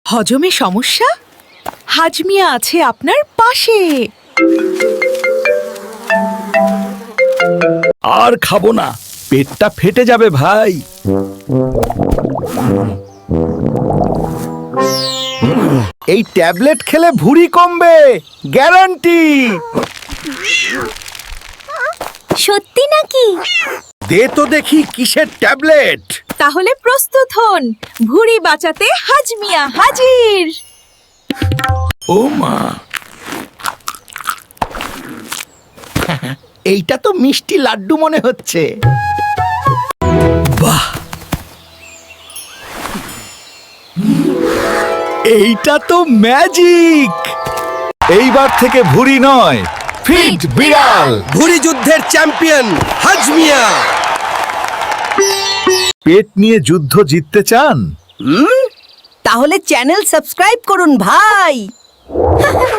হজমে সমস্যা? হাজমিয়া আছে আপনার পাশে। আর খাবো না, পেটটা ফেটে যাবে ভাই। এই ট্যাবলেট খেলে ভুঁড়ি কমবে, গ্যারান্টি। সত্যি নাকি? দে তো দেখি কিসের ট্যাবলেট। তাহলে প্রস্তুত হন, ভুঁড়ি বাঁচাতে হাজমিয়া হাজির। ও মা, এইটা তো মিষ্টি লাড্ডু মনে হচ্ছে। বাহ, এইটা তো ম্যাজিক। এইবার থেকে ভুঁড়ি নয়, ফিট বিড়াল। ভুঁড়ি যুদ্ধের চ্যাম্পিয়ন হাজমিয়া। পেট নিয়ে যুদ্ধ জিততে চান? তাহলে চ্যানেল সাবস্ক্রাইব করুন ভাই।